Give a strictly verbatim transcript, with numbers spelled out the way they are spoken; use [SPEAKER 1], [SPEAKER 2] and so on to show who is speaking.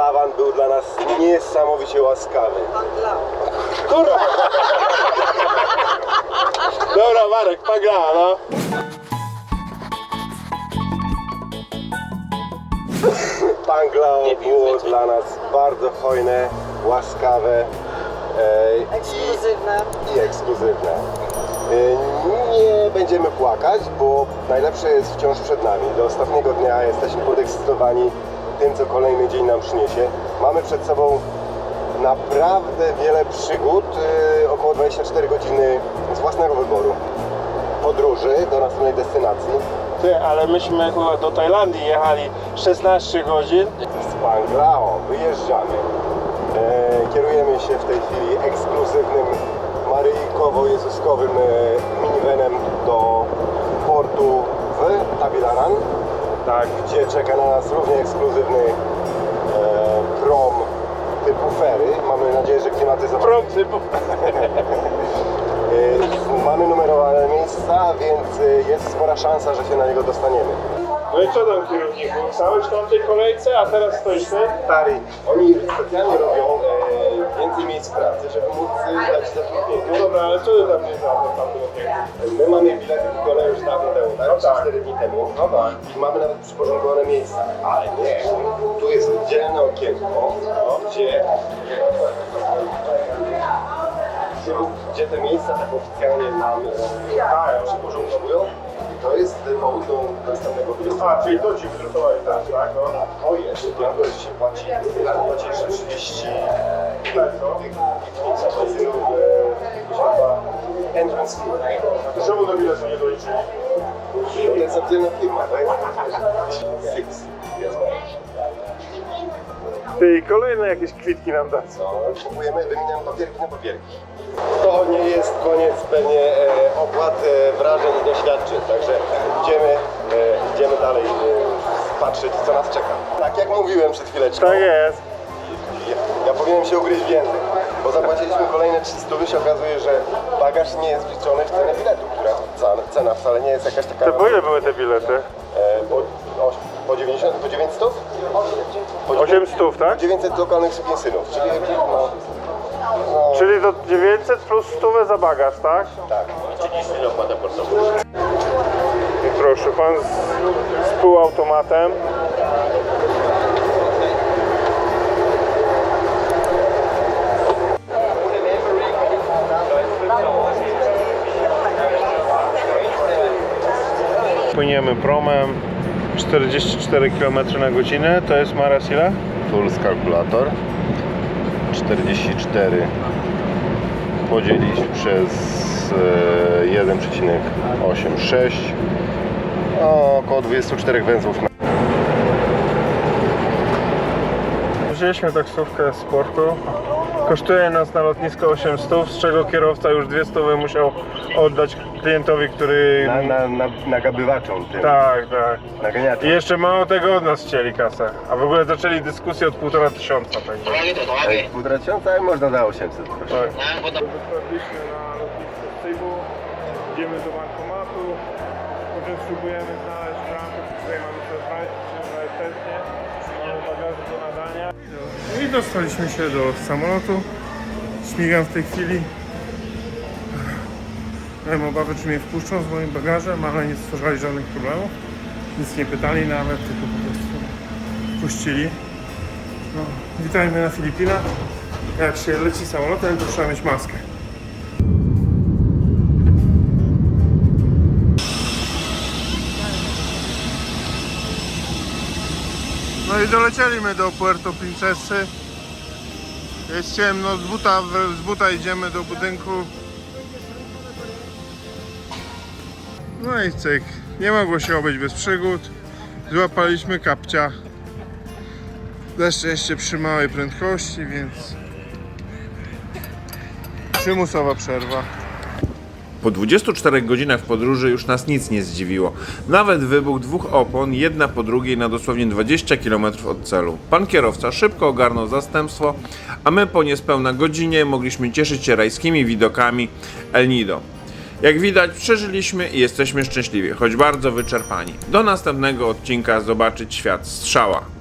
[SPEAKER 1] Lawan był dla nas niesamowicie łaskawy.
[SPEAKER 2] Pan Glał.
[SPEAKER 1] Kurwa! Dobra, Marek, pagla, no. Pan Glao było dla nas bardzo hojne, łaskawe e,
[SPEAKER 2] Ekskluzywne.
[SPEAKER 1] i, i ekskluzywne. E, nie będziemy płakać, bo najlepsze jest wciąż przed nami. Do ostatniego dnia jesteśmy podekscytowani tym, co kolejny dzień nam przyniesie. Mamy przed sobą naprawdę wiele przygód, e, około dwadzieścia cztery godziny z własnego wyboru podróży do następnej destynacji.
[SPEAKER 3] Ty, ale myśmy chyba do Tajlandii jechali szesnaście godzin.
[SPEAKER 1] Z Panglao wyjeżdżamy. E, kierujemy się w tej chwili ekskluzywnym maryjkowo-jezuskowym e, minivanem do portu w Tabilaran,
[SPEAKER 3] Tak.
[SPEAKER 1] gdzie czeka na nas równie ekskluzywny e, prom typu ferry. Mamy nadzieję, że klimatyzacja...
[SPEAKER 3] Prom typu.
[SPEAKER 1] E, mamy numerowane miejsca, więc e, jest spora szansa, że się na niego dostaniemy.
[SPEAKER 3] No i co tam, kierowniku? Stałeś w tamtej kolejce, a teraz stoisz ty?
[SPEAKER 1] Stary, oni specjalnie robią e, więcej miejsc pracy, żeby móc e, dać zatrudnienie.
[SPEAKER 3] No dobra, ale co ty tam nie znam tam było pięknie?
[SPEAKER 1] My mamy bilety kupione już dawno temu, tak?
[SPEAKER 3] No tak.
[SPEAKER 1] cztery dni temu.
[SPEAKER 3] No tak.
[SPEAKER 1] I mamy nawet przyporządkowane miejsca. Ale nie, tu jest oddzielne okienko, no, gdzie, gdzie, gdzie te miejsca tak oficjalnie nam e, przyporządkowują. I to jest powód do następnego biletu.
[SPEAKER 3] A, czyli to ci wydrukowali teraz, tak? No.
[SPEAKER 1] O jest, tylko że się płaci, płaci trzydzieści benzynów, entrance fee.
[SPEAKER 3] To czemu do biletu nie doliczyli?
[SPEAKER 1] To jest oddzielna firma, tak? Six.
[SPEAKER 3] Ty, kolejne jakieś kwitki nam da.
[SPEAKER 1] No, kupujemy, wymieniamy papierki na papierki. To nie jest koniec pewnie e, opłat, e, wrażeń i doświadczeń, także idziemy, e, idziemy dalej e, patrzeć, co nas czeka. Tak jak mówiłem przed chwileczką.
[SPEAKER 3] Tak jest.
[SPEAKER 1] Ja, ja powinienem się ugryźć w język, bo zapłaciliśmy kolejne trzysta i się okazuje, że bagaż nie jest wliczony w cenę biletu, która cena, cena wcale nie jest jakaś taka...
[SPEAKER 3] To po ile były te bilety?
[SPEAKER 1] E, po, o, po dziewięćdziesiąt, po dziewięćset? Po
[SPEAKER 3] osiem stów, tak?
[SPEAKER 1] dziewięćset lokalnych sukinsynów, czyli no, no,
[SPEAKER 3] Czyli to dziewięćset plus stówę za bagaż, tak?
[SPEAKER 1] tak.
[SPEAKER 3] I proszę, pan z, z półautomatem. Płyniemy promem czterdzieści cztery kilometry na godzinę, to jest Maras ile?
[SPEAKER 1] Puls kalkulator czterdzieści cztery podzielić przez e, jeden przecinek osiemdziesiąt sześć, o, około dwadzieścia cztery węzłów na...
[SPEAKER 3] Wzięliśmy taksówkę z portu. Kosztuje nas na lotnisko osiem stów, z czego kierowca już dwie stówy musiał oddać klientowi, który...
[SPEAKER 1] Na, na, na, nagabywaczom tym,
[SPEAKER 3] Tak, tak.
[SPEAKER 1] naganiaczom.
[SPEAKER 3] I jeszcze mało tego od nas chcieli kasę. A w ogóle zaczęli dyskusję od półtora tysiąca. Także.
[SPEAKER 1] Ej, półtora tysiąca, ale można za osiemset, proszę.
[SPEAKER 3] Tak. Dotarliśmy na lotnisko w Cebu, idziemy do bankomatu, potem spróbujemy znaleźć bramkę, w której mamy to znaleźć chętnie, mamy bagaże do nadania. I dostaliśmy się do samolotu, śmigam w tej chwili. Miałem obawy, czy mnie wpuszczą z moim bagażem, ale nie stwarzali żadnych problemów. Nic nie pytali nawet, tylko po prostu wpuścili. No, witajmy na Filipinach. Jak się leci samolotem, to trzeba mieć maskę. No i dolecieliśmy do Puerto Princesy. Jest ciemno, z buta, z buta idziemy do budynku. No i cyk, nie mogło się obejść bez przygód. Złapaliśmy kapcia. Na szczęście przy małej prędkości, więc przymusowa przerwa.
[SPEAKER 4] Po dwudziestu czterech godzinach podróży już nas nic nie zdziwiło. Nawet wybuch dwóch opon, jedna po drugiej na dosłownie dwadzieścia kilometrów od celu. Pan kierowca szybko ogarnął zastępstwo, a my po niespełna godzinie mogliśmy cieszyć się rajskimi widokami El Nido. Jak widać, przeżyliśmy i jesteśmy szczęśliwi, choć bardzo wyczerpani. Do następnego odcinka zobaczyć świat strzała.